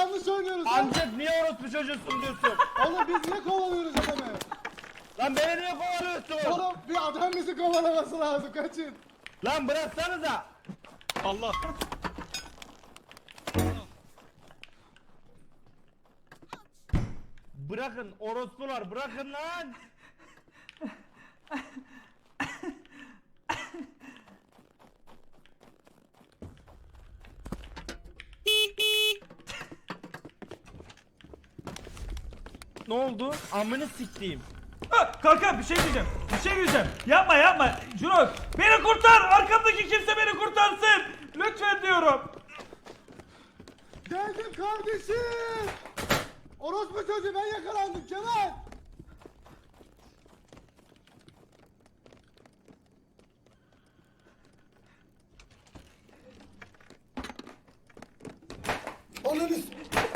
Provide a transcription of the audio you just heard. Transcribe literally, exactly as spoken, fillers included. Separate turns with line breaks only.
yanlış oynuyoruz lan.
Amcık niye orospu çocuğusun diyorsun?
Oğlum biz niye kovalıyoruz adamı?
Lan beni niye kovalıyorsun?
Oğlum bir adam bizi kovalaması lazım, kaçın.
Lan bıraksanıza.
Allah.
Bırakın orospular, bırakın lan. Ne oldu? Amını siktiğim.
Ha, kanka bir şey diyeceğim. Bir şey diyeceğim. Yapma yapma. Jurox beni kurtar. Arkamdaki kimse beni kurtarsın. Lütfen diyorum.
Geldim kardeşim. Orospu çocuğu, ben yakalandım Kemal. Ananı